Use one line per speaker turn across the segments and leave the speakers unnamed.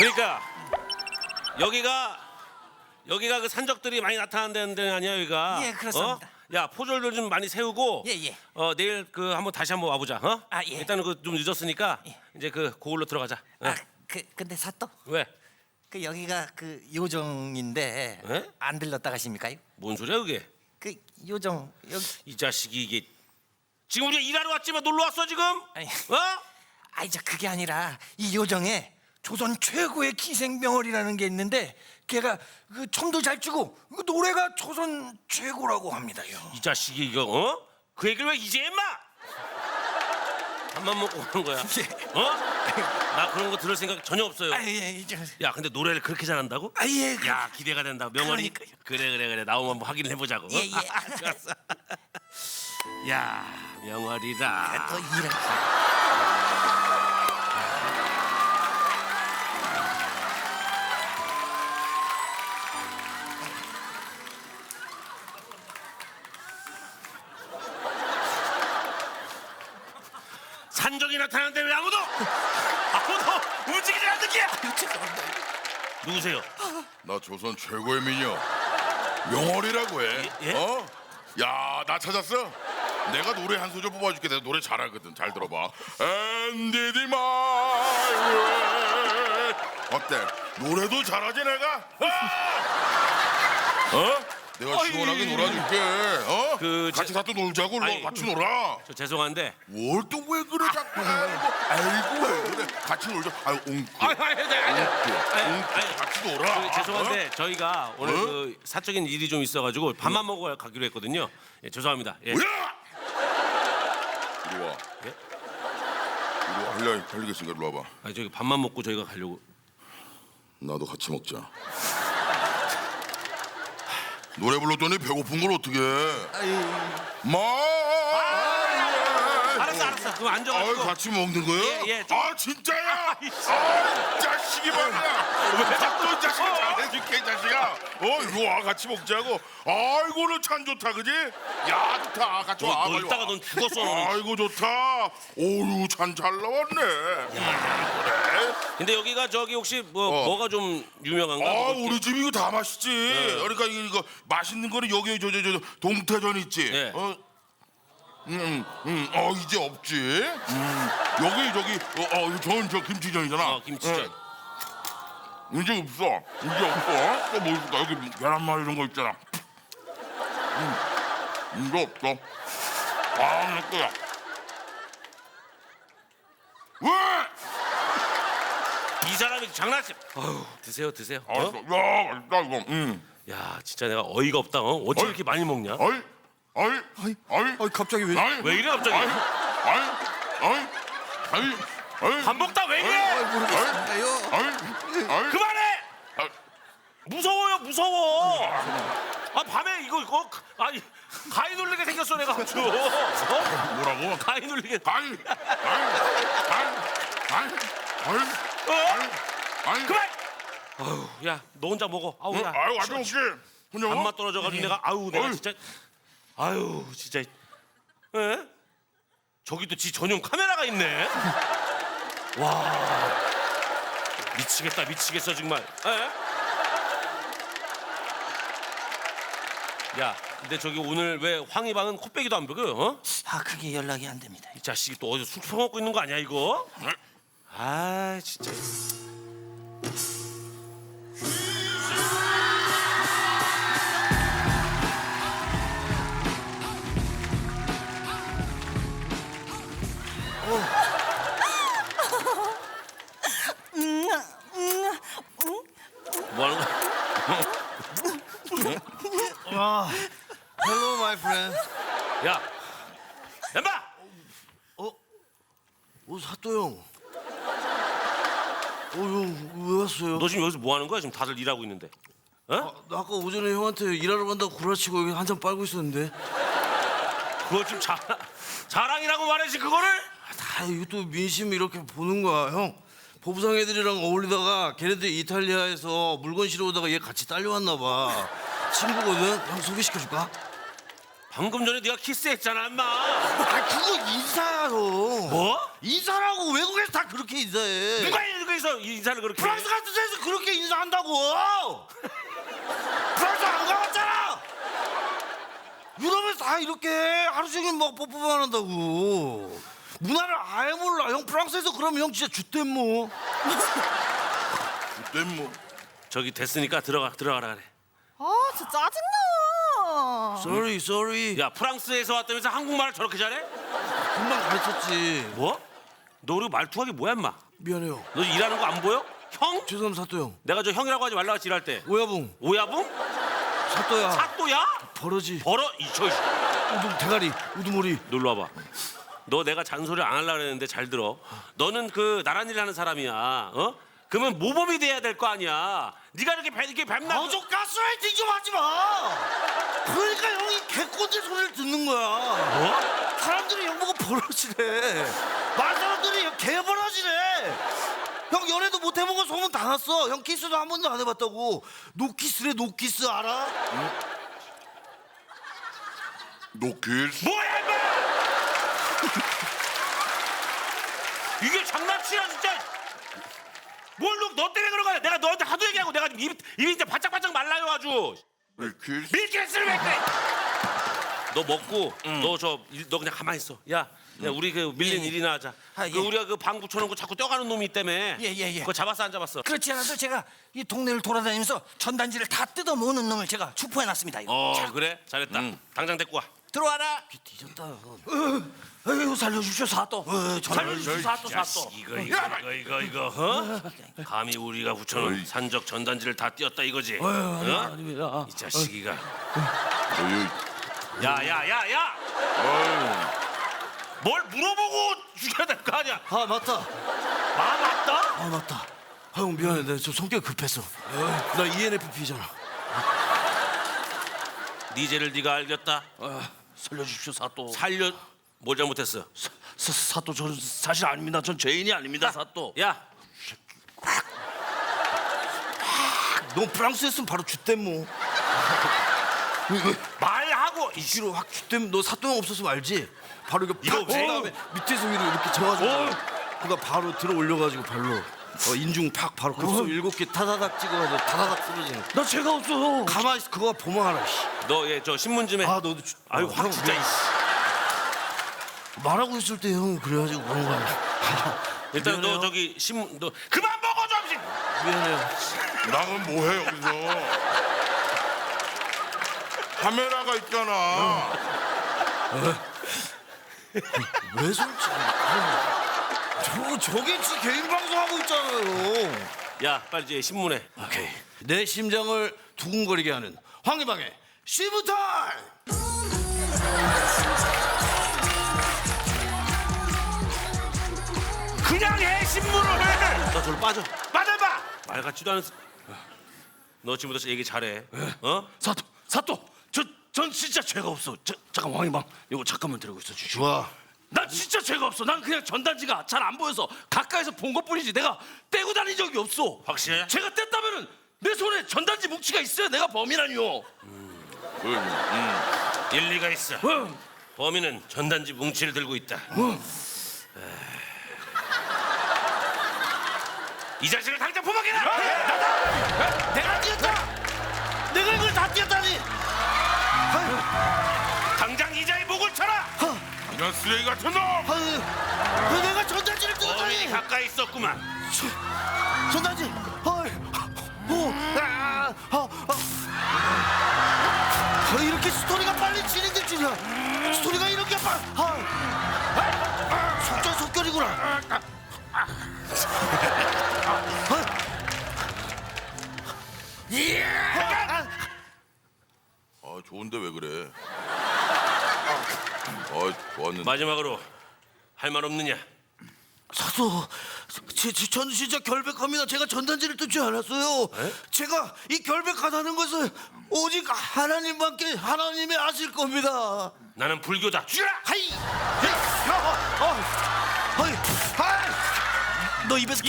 그러니까 여기가 그 산적들이 많이 나타나는 데 아니야 여기가?
예, 그렇습니다.
야 포졸들 좀 많이 세우고
예.
내일 그 한번 다시 한번 와보자. 어?
아, 예.
일단은 그 좀 늦었으니까 이제 그 고을로 들어가자. 어?
근데 사또
왜?
그 여기가 그 요정인데
예?
안 들렀다 가십니까요?
뭔 소리야 그게?
그 요정 여기
이 자식이 이게 지금 우리가 일하러 왔지만 놀러 왔어 지금?
아니.
어?
아니 저 그게 아니라 이 요정에 조선 최고의 기생병월이라는 게 있는데 걔가 그 춤도 잘 추고 그 노래가 조선 최고라고 합니다요.
이 자식이 이거 어? 그 얘기를 왜 이제 했마? 밥만 먹고 오는 거야. 어? 나 그런 거 들을 생각 전혀 없어요.
아예 이제
야 근데 노래를 그렇게 잘한다고?
아예
야 기대가 된다. 명월이
그러니까요.
그래 나오면 한번 확인을 해보자고.
예, 예.
좋았어. 야 명월이다.
또 이런
산적이 나타나는데 왜 아무도 움직이지 않는 게?
죄송합니다.
누구세요?
나 조선 최고의 미녀 명월이라고 해.
예?
어? 야, 나 찾았어? 내가 노래 한 소절 뽑아줄게. 내가 노래 잘하거든. 잘 들어봐. And did my way. 어때? 노래도 잘하지 내가? 어? 내가 시원하게 놀아줄게. 어? 같이 사또 놀자고.
아이,
같이 놀아.
저 죄송한데.
뭘 또 왜 그래 자꾸? 아이고 왜 그래? 같이 놀자. 아유 웅크. 같이 놀아.
그, 죄송한데 저희가 오늘 그 사적인 일이 좀 있어가지고 밥만 먹어 가기로 했거든요. 예, 죄송합니다. 예.
뭐야? 이리 와.
예?
이리 와. 할리겠으니까 이리 와봐.
아니 저기 밥만 먹고 저희가 가려고.
나도 같이 먹자. 노래 불렀더니 배고픈 걸 어떻게 해?
알았어. 그럼
아유,
앉아가지고.
같이 먹는 거야?
예, 좀.
아 진짜야? 아 자식이 말이야. 왜 자꾸 자식아 잘해줄게 이 자식아. 이리 와 같이 먹자고. 아이고 너 참 좋다 그지? 야 좋다 같이 와.
너
빨리
이따가
와.
넌 죽었어. 너는.
아이고 좋다. 오유 참 잘 나왔네. 그래?
근데 여기가 저기 혹시 뭐가 좀 유명한가?
아
뭐
우리 집 이거 다 맛있지. 그러니까 이거 맛있는 거는 여기 저 동태전 있지.
네.
이제 없지. 여기 저 김치전이잖아.
김치전.
이제 없어. 또 뭐 있을까? 여기 계란말 이런 거 있잖아. 이거 없어. 내 거야. 왜?
이 사람이 장난치. 드세요.
알았어. 야, 맛있다 이거.
야 진짜 내가 어이가 없다. 어찌 이렇게 많이 먹냐?
아이,
갑자기 왜?
왜 이래 갑자기? 밥 먹다 왜 이래?
모르겠어요.
그만해! 무서워요 무서워. 밤에 이거 아니 가위 눌리게 생겼어 내가 아주.
뭐라고?
가위 눌리게. 그만! 야 너 혼자 먹어. 야.
아유, 아주 혹시 혼자 먹어?
밥맛 떨어져가지고 내가 내가 진짜 진짜. 에? 저기도 지 전용 카메라가 있네. 와 미치겠어 정말. 에? 야 근데 저기 오늘 왜 황희방은 코빼기도 안 먹어요? 어?
그게 연락이 안 됩니다.
이 자식이 또 어디서 술 퍼먹고 있는 거 아니야 이거? 아 진짜. 뭐 하는 거야?
Hello, my friend.
야 엠바!
사또 형. 형, 왜 왔어요?
너 지금 여기서 뭐 하는 거야? 지금 다들 일하고 있는데. 어?
나 아까 오전에 형한테 일하러 간다고 구라치고 여기 한참 빨고 있었는데.
그거 좀 자랑이라고 말해야지 그거를.
다 이거 또 민심 이렇게 보는 거야, 형. 보부상 애들이랑 어울리다가 걔네들 이탈리아에서 물건 실어오다가 얘 같이 딸려왔나 봐. 친구거든. 형 소개시켜줄까?
방금 전에 네가 키스했잖아 인마.
그거 인사야, 형.
뭐?
인사라고 외국에서 다 그렇게 인사해.
누가 여기서 가서 인사를 그렇게
프랑스 같은 데서 그렇게 인사한다고. 프랑스 안 가봤잖아. 유럽에서 다 이렇게 하루 종일 막 뽀뽀만 한다고. 문화를 아예 몰라. 형 프랑스에서 그러면 형 진짜 쥐댐모.
그때 뭐
저기 됐으니까 들어가라 그래.
아 진짜 짜증나.
Sorry.
야 프랑스에서 왔다면서 한국말을 저렇게 잘해?
금방 가르쳤지.
뭐? 너 그리고 말투하기 뭐야 인마?
미안해요.
너 일하는 거 안 보여? 형?
죄송합니다 사또 형.
내가 저 형이라고 하지 말라고 일할 때
오야붕.
오야붕?
사또야.
사또야?
버러지.
벌어 이저
우두 대가리. 우두머리.
놀러 와봐. 너 내가 잔소리 안 하려고 그랬는데 잘 들어. 너는 그 나란 일 하는 사람이야. 어? 그러면 모범이 돼야 될 거 아니야. 네가 이렇게 뱀나.
좀 가스라이팅 좀 하지 마. 그러니까 형이 개꼰대 소리를 듣는 거야.
뭐?
사람들이 형 보고 버러지래. 말 사람들이 형 개버러지래. 형 연애도 못 해본 거 소문 다 났어. 형 키스도 한 번도 안 해봤다고. 노키스래 노키스 알아?
노키스.
뭐야 임마! 이게 장난치야 진짜. 너 때문에 그런 거야. 내가 너한테 하도 얘기하고 내가 입이 이제 바짝바짝 말라요 아주.
노키스.
밀키스를 왜 그래? 너 먹고 너 그냥 가만히 있어. 야 우리 그 밀린
예, 예.
일이나 하자.
아,
그
예.
우리가 그 방 붙여놓은 거 자꾸 떼가는 놈이 있다며.
예.
그거 잡았어 안 잡았어?
그렇지 않아도 제가 이 동네를 돌아다니면서 전단지를 다 뜯어 모으는 놈을 제가 추포해놨습니다. 이거. 자,
그래 잘했다. 당장 데리고 와.
들어와라.
뒤졌다.
에휴, 살려주십시오 사또.
살려주십시오 사또. 이거 어? 감히 우리가 붙여놓은
어이.
산적 전단지를 다 띄었다 이거지?
아닙니다.
이 자식이가.
어이.
야야야야! 뭘 물어보고 죽여야 될 거 아니야?
아 맞다.
맞다?
아 맞다. 아, 형 미안해. 내가 좀 성격 급했어. 나 ENFP잖아.
네 죄를 네가 알겠다.
살려주십시오 사또.
뭘 잘못했어?
사또 저는 사실 아닙니다. 전 죄인이 아닙니다 사또.
야
너 프랑스였으면 바로 쥐댐모.
말하고
뒤로 확 쥐댐. 너 사또 형 없었으면 알지? 바로 이거
이거
팍 친 다음에 밑에서 위로 이렇게 쳐가지고 그거 바로 들어 올려가지고 발로 인중 팍 바로 급소 7개 타다닥 찍어가지고 타다닥 쓰러지는.
나 죄가 없어.
가만히 있어. 그거 보면 알아. 씨.
너 얘 저 신문 좀 해.
아 너도
아유 확
형,
진짜.
말하고 있을 때 형 그래가지고 그런 거야.
일단
미안해요.
너 저기 신문 너 그만 먹어 좀.
미안해요.
나는 뭐해 여기서? 카메라가 있잖아.
왜 솔직히? 저게 지 개인 방송하고 있잖아요.
야 빨리 이제 신문해.
오케이. 내 심장을 두근거리게 하는 황희방의 시부탈.
그냥 해 신문을 해.
나 저로 빠져.
빠져봐. 말 같지도 않은. 너 지금부터 얘기 잘해. 어?
사또 전 진짜 죄가 없어. 잠깐 왕이방 이거 잠깐만 들고 있어 주시오.
좋아.
난 진짜 죄가 없어. 난 그냥 전단지가 잘 안 보여서 가까이서 본 것뿐이지 내가 떼고 다닌 적이 없어.
확실해?
제가 뗐다면은 내 손에 전단지 뭉치가 있어야 내가 범인아니오.
일리가 있어. 범인은 전단지 뭉치를 들고 있다. 이 자식을 당장 포박해라.
내가 뛰었다. 내가 이걸 다 뛰었다니.
당장 이자의 목을 쳐라.
이런 쓰레기 같은 놈.
왜 내가 전단지를
범인이
뜯었다니.
가까이 있었구만.
전단지. 이렇게 스토리가 빨리 진행될 줄이야. 스토리가 이렇게 빨리. 속결이구나.
아 좋은데 왜 그래? 좋았는데.
마지막으로 할 말 없느냐?
사도, 저는 진짜 결백합니다. 제가 전단지를 뜯지 않았어요. 제가 이 결백하다는 것을 오직 하나님밖에 하나님이 아실 겁니다.
나는 불교다. 죽여라.
하이, 너 입에서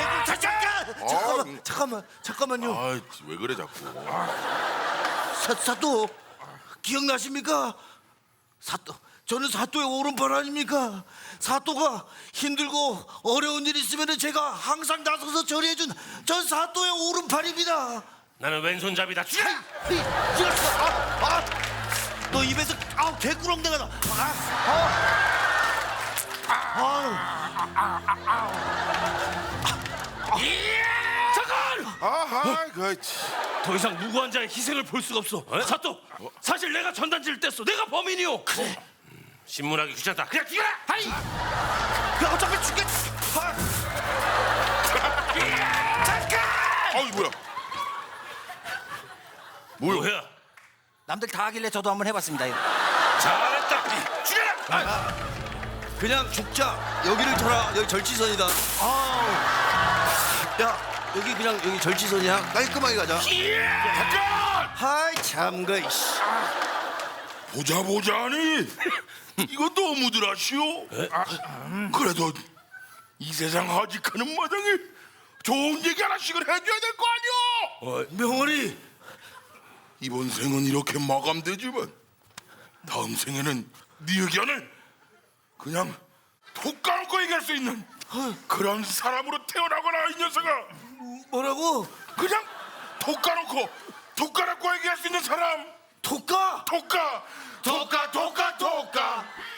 잠깐만요.
왜 그래 자꾸?
사또 기억나십니까? 저는 사또의 오른팔 아닙니까? 사또가 힘들고 어려운 일 있으면 제가 항상 나서서 처리해준 전 사또의 오른팔입니다.
나는 왼손잡이다. 죽여!
너 입에서 개꾸렁대가 나.
잠깐!
아하, 그렇지.
더 이상 무고한 자의 희생을 볼 수가 없어. 사또, 사실 내가 전단지를 뗐어. 내가 범인이오. 그래.
신문하기 귀찮다. 그냥 죽여라!
하이!
야, 어차피 죽겠.
아이 뭐야?
뭐야?
남들 다 하길래 저도 한번 해봤습니다.
잘했다. 죽여라!
그냥 죽자. 여기를 쳐라. 여기 절지선이다. 야, 여기 그냥 여기 절지선이야. 깔끔하게 가자.
잠깐!
하이 참그 이씨.
보자니 이거 너무들 하시오. 그래도 이 세상 하직하는 마당에 좋은 얘기 하나씩은 해줘야 될 거 아니오.
명월이
이번 생은 이렇게 마감되지만 다음 생에는 네 의견을 그냥 톡 까놓고 얘기할 수 있는 그런 사람으로 태어나거나 이 녀석아.
뭐라고?
그냥 톡 까놓고 얘기할 수 있는 사람.
독가?
톡까 톡까 톡까 톡까